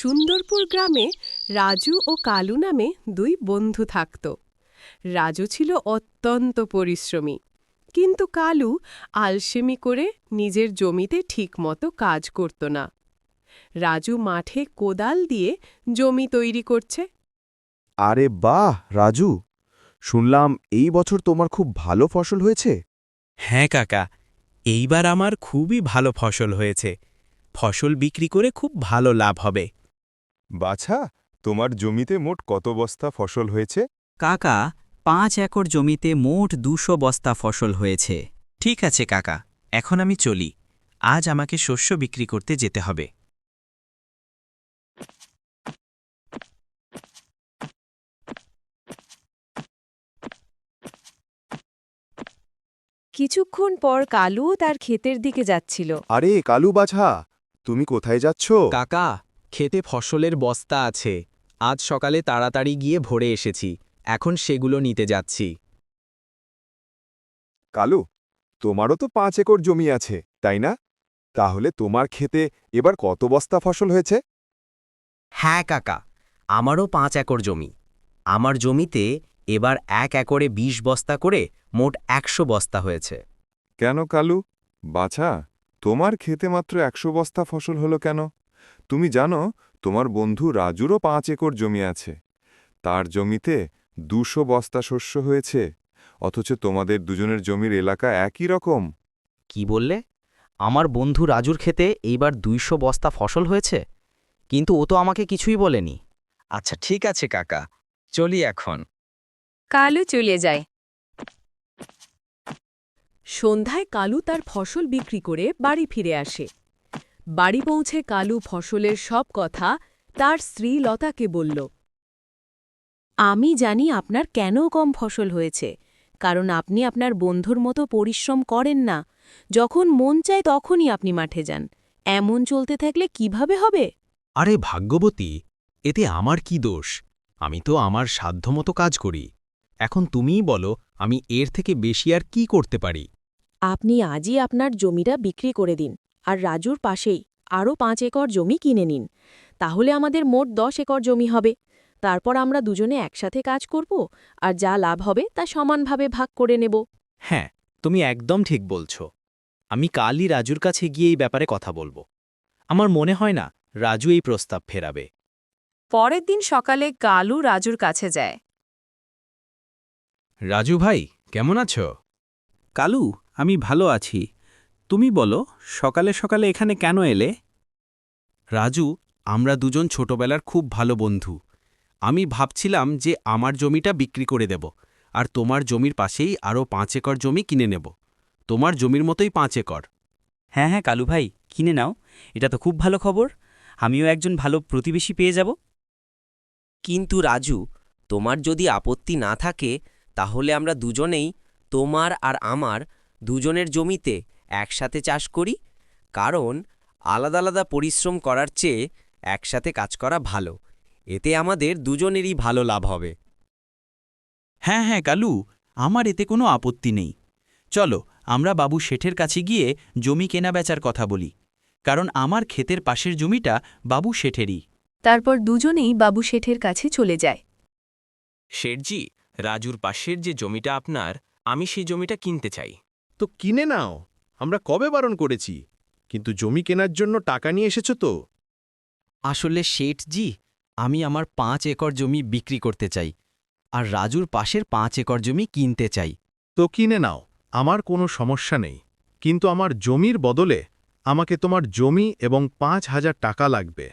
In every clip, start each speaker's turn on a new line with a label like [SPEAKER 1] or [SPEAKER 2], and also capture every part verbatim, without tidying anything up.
[SPEAKER 1] সুন্দরপুর গ্রামে রাজু ও কালু নামে দুই বন্ধু থাকত। রাজু ছিল অত্যন্ত পরিশ্রমী, কিন্তু কালু আলসেমি করে নিজের জমিতে ঠিকমতো কাজ করত না। রাজু মাঠে কোদাল দিয়ে জমি তৈরি করছে।
[SPEAKER 2] আরে বাহ রাজু, শুনলাম এই বছর তোমার খুব ভালো ফসল হয়েছে।
[SPEAKER 3] হ্যাঁ কাকা, এইবার আমার খুবই ভালো ফসল হয়েছে। ফসল বিক্রি করে খুব ভালো লাভ হবে।
[SPEAKER 4] বাছা, তোমার জমিতে মোট কত বস্তা ফসল হয়েছে?
[SPEAKER 5] কাকা, পাঁচ একর জমিতে মোট দুশো বস্তা ফসল হয়েছে।
[SPEAKER 3] ঠিক আছে কাকা, এখন আমি চলি। আজ আমাকে শস্য বিক্রি করতে যেতে হবে।
[SPEAKER 1] কিছুক্ষণ পর কালু তার ক্ষেতের দিকে যাচ্ছিল।
[SPEAKER 2] আরে কালু বাছা, তুমি কোথায় যাচ্ছ?
[SPEAKER 3] কাকা, খেতে ফসলের বস্তা আছে। আজ সকালে তাড়াতাড়ি গিয়ে ভরে এসেছি, এখন সেগুলো নিতে যাচ্ছি।
[SPEAKER 4] কালু, তোমারও তো পাঁচ একর জমি আছে, তাই না? তাহলে তোমার ক্ষেতে এবার কত বস্তা ফসল হয়েছে?
[SPEAKER 6] হ্যাঁ কাকা, আমারও পাঁচ একর জমি। আমার জমিতে এবার এক একরে বিশ বস্তা করে মোট একশো বস্তা হয়েছে।
[SPEAKER 4] কেন কালু বাছা, তোমার ক্ষেতে মাত্র একশো বস্তা ফসল হলো কেন? তুমি জানো তোমার বন্ধু রাজুরও পাঁচ একর জমি আছে, তার জমিতে দুশো বস্তা শস্য হয়েছে, অথচ তোমাদের দুজনের জমির এলাকা একই রকম।
[SPEAKER 6] কি বললে? আমার বন্ধু রাজুর ক্ষেতে এইবার দুইশো বস্তা ফসল হয়েছে, কিন্তু ও তো আমাকে কিছুই বলেনি।
[SPEAKER 3] আচ্ছা ঠিক আছে কাকা, চলি এখন।
[SPEAKER 1] কালু চলে যায়। সন্ধ্যায় কালু তার ফসল বিক্রি করে বাড়ি ফিরে আসে। বাড়ি পৌঁছে কালু ফসলের সব কথা তার স্ত্রী লতাকে বলল। আমি জানি আপনার কেন কম ফসল হয়েছে, কারণ আপনি আপনার বন্ধুর মতো পরিশ্রম করেন না। যখন মন চায় তখনই আপনি মাঠে যান। এমন চলতে থাকলে কিভাবে হবে?
[SPEAKER 3] আরে ভাগ্যবতী, এতে আমার কি দোষ? আমি তো আমার সাধ্যমতো কাজ করি। এখন তুমিই বলো, আমি এর থেকে বেশি আর কি করতে পারি?
[SPEAKER 1] আপনি আজই আপনার জমিটা বিক্রি করে দিন, আর রাজুর পাশেই আরও পাঁচ একর জমি কিনে নিন। তাহলে আমাদের মোট দশ একর জমি হবে। তারপর আমরা দুজনে একসাথে কাজ করব, আর যা লাভ হবে তা সমানভাবে ভাগ করে নেব।
[SPEAKER 3] হ্যাঁ, তুমি একদম ঠিক বলছ। আমি কালই রাজুর কাছে গিয়ে এই ব্যাপারে কথা বলবো। আমার মনে হয় না রাজু এই প্রস্তাব ফেরাবে।
[SPEAKER 1] পরের দিন সকালে কালু রাজুর কাছে যায়।
[SPEAKER 3] রাজু ভাই, কেমন আছো? কালু, আমি ভালো আছি। তুমি বলো, সকালে সকালে এখানে কেন এলে? রাজু, আমরা দুজন ছোটবেলার খুব ভালো বন্ধু। আমি ভাবছিলাম যে আমার জমিটা বিক্রি করে দেব, আর তোমার জমির পাশেই আরও পাঁচ একর জমি কিনে নেব। তোমার জমির মতোই পাঁচ একর।
[SPEAKER 5] হ্যাঁ হ্যাঁ কালু ভাই, কিনে নাও। এটা তো খুব ভালো খবর। আমিও একজন ভালো প্রতিবেশী পেয়ে যাব।
[SPEAKER 6] কিন্তু রাজু, তোমার যদি আপত্তি না থাকে, তাহলে আমরা দুজনেই তোমার আর আমার দুজনের জমিতে একসাথে চাষ করি। কারণ আলাদা আলাদা পরিশ্রম করার চেয়ে একসাথে কাজ করা ভালো। এতে আমাদের দুজনেরই ভালো লাভ হবে।
[SPEAKER 3] হ্যাঁ হ্যাঁ কালু, আমার এতে কোনো আপত্তি নেই। চলো আমরা বাবু শেঠের কাছে গিয়ে জমি কেনাবেচার কথা বলি, কারণ আমার ক্ষেতের পাশের জমিটা বাবু শেঠেরই।
[SPEAKER 1] তারপর দুজনেই বাবু শেঠের কাছে চলে যায়।
[SPEAKER 3] শেঠজি, রাজুর পাশের যে জমিটা আপনার, আমি সেই জমিটা কিনতে চাই।
[SPEAKER 7] তো কিনে নাও, আমরা কবে বারণ করেছি? কিন্তু জমি কেনার জন্য টাকা নিয়ে এসেছো তো?
[SPEAKER 6] আসলে শেঠজি, আমি আমার পাঁচ একর জমি বিক্রি করতে চাই, আর রাজুর পাশের পাঁচ একর জমি কিনতে চাই।
[SPEAKER 7] তো কিনে নাও, আমার কোনো সমস্যা নেই। কিন্তু আমার জমির বদলে আমাকে তোমার জমি এবং পাঁচ হাজার টাকা লাগবে।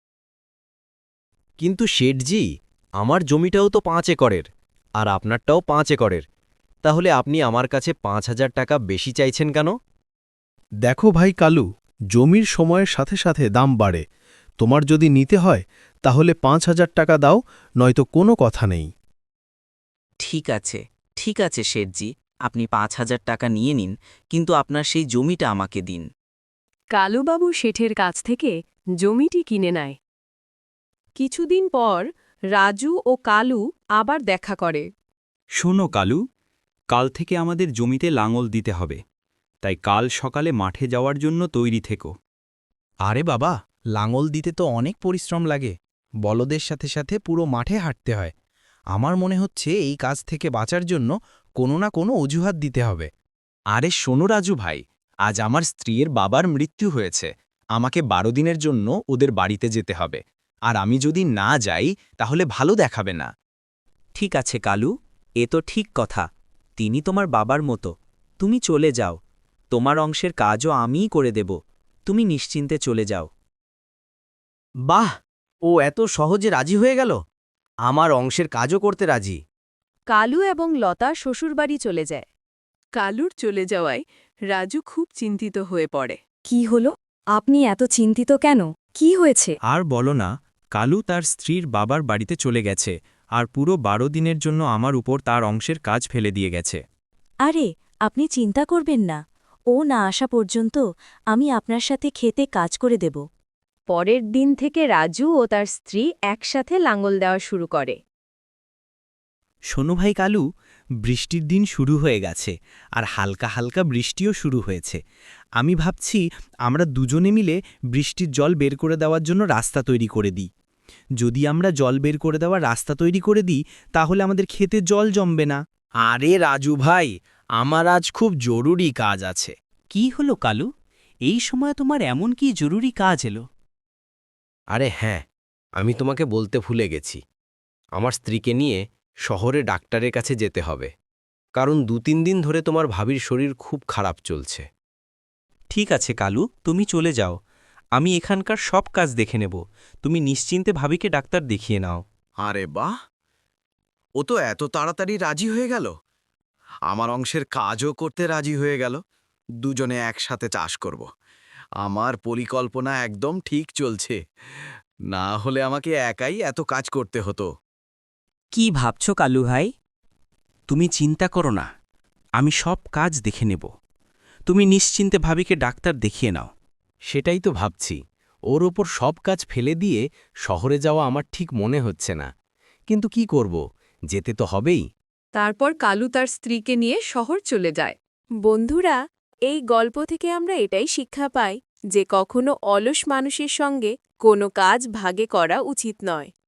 [SPEAKER 6] কিন্তু শেঠজি, আমার জমিটাও তো পাঁচ একরের, আর আপনারটাও পাঁচ একরের। তাহলে আপনি আমার কাছে পাঁচ হাজার টাকা বেশি চাইছেন কেন?
[SPEAKER 7] দেখো ভাই কালু, জমির সময়ের সাথে সাথে দাম বাড়ে। তোমার যদি নিতে হয় তাহলে পাঁচ হাজার টাকা দাও, নয়তো কোনো কথা নেই।
[SPEAKER 5] ঠিক আছে, ঠিক আছে শেঠজি, আপনি পাঁচ হাজার টাকা নিয়ে নিন, কিন্তু আপনার সেই জমিটা আমাকে দিন।
[SPEAKER 1] কালুবাবু শেঠের কাছ থেকে জমিটি কিনে নেয়। কিছুদিন পর রাজু ও কালু আবার দেখা করে।
[SPEAKER 3] শোনো কালু, কাল থেকে আমাদের জমিতে লাঙল দিতে হবে, তাই কাল সকালে মাঠে যাওয়ার জন্য তৈরি থেকো।
[SPEAKER 2] আরে বাবা,
[SPEAKER 3] লাঙল দিতে তো অনেক পরিশ্রম লাগে, বলদের সাথে সাথে পুরো মাঠে হাঁটতে হয়। আমার মনে হচ্ছে এই কাজ থেকে বাঁচার জন্য কোনো না কোনো অজুহাত দিতে হবে। আরে শোনো রাজু ভাই, আজ আমার স্ত্রীর বাবার মৃত্যু হয়েছে, আমাকে বারো দিনের জন্য ওদের বাড়িতে যেতে হবে, আর আমি যদি না যাই তাহলে ভালো দেখাবে না।
[SPEAKER 5] ঠিক আছে কালু, এ তো ঠিক কথা। তিনি তোমার বাবার মতো। তুমি চলে যাও, তোমার অংশের কাজও আমিই করে দেব। তুমি নিশ্চিন্তে চলে যাও।
[SPEAKER 6] বাহ, ও এত সহজে রাজি হয়ে গেল। আমার অংশের কাজও করতে রাজি।
[SPEAKER 1] কালু এবং লতা শ্বশুরবাড়ি চলে যায়। কালুর চলে যাওয়ায় রাজু খুব চিন্তিত হয়ে পড়ে।
[SPEAKER 8] কি হলো? আপনি এত চিন্তিত কেন? কি হয়েছে?
[SPEAKER 3] আর বলো না, কালু তার স্ত্রীর বাবার বাড়িতে চলে গেছে, আর পুরো বারো দিনের জন্য আমার উপর তার অংশের কাজ ফেলে দিয়ে গেছে।
[SPEAKER 8] আরে, আপনি চিন্তা করবেন না। ও না আসা পর্যন্ত আমি আপনার সাথে খেতে কাজ করে দেব।
[SPEAKER 1] পরের দিন থেকে রাজু ও তার স্ত্রী একসাথে লাঙল দেওয়া শুরু করে।
[SPEAKER 3] শোনো ভাই কালু, বৃষ্টির দিন শুরু হয়ে গেছে, আর হালকা হালকা বৃষ্টিও শুরু হয়েছে। আমি ভাবছি আমরা দুজনে মিলে বৃষ্টির জল বের করে দেওয়ার জন্য রাস্তা তৈরি করে দিই। যদি আমরা জল বের করে দেওয়ার রাস্তা তৈরি করে দিই তাহলে আমাদের খেতে জল জমবে না। আরে রাজু ভাই, আমার আজ খুব জরুরি কাজ আছে।
[SPEAKER 5] কি হলো কালু? এই সময় তোমার এমন কি জরুরি কাজ এলো?
[SPEAKER 6] আরে হ্যাঁ, আমি তোমাকে বলতে ভুলে গেছি। আমার স্ত্রীকে নিয়ে শহরে ডাক্তারের কাছে যেতে হবে, কারণ দু তিন দিন ধরে তোমার ভাবির শরীর খুব খারাপ চলছে।
[SPEAKER 5] ঠিক আছে কালু, তুমি চলে যাও। আমি এখানকার সব কাজ দেখে নেব। তুমি নিশ্চিন্তে ভাবিকে ডাক্তার দেখিয়ে নাও।
[SPEAKER 9] আরে বাহ, ও তো এত তাড়াতাড়ি রাজি হয়ে গেল। আমার অংশের কাজও করতে রাজি হয়ে গেল। দুজনে একসাথে চাষ করব। আমার পরিকল্পনা একদম ঠিক চলছে। না হলে আমাকে একাই এত কাজ করতে হতো।
[SPEAKER 5] কি ভাবছ কালু ভাই? তুমি চিন্তা করো না, আমি সব কাজ দেখে নেব। তুমি নিশ্চিন্তে ভাবিকে ডাক্তার দেখিয়ে নাও।
[SPEAKER 6] সেটাই তো ভাবছি। ওর ওপর সব কাজ ফেলে দিয়ে শহরে যাওয়া আমার ঠিক মনে হচ্ছে না, কিন্তু কি করব, যেতে তো হবেই।
[SPEAKER 1] তারপর কালু তার স্ত্রীকে নিয়ে শহর চলে যায়। বন্ধুরা, এই গল্প থেকে আমরা এটাই শিক্ষা পাই যে কখনো অলস মানুষের সঙ্গে কোনো কাজ ভাগে করা উচিত নয়।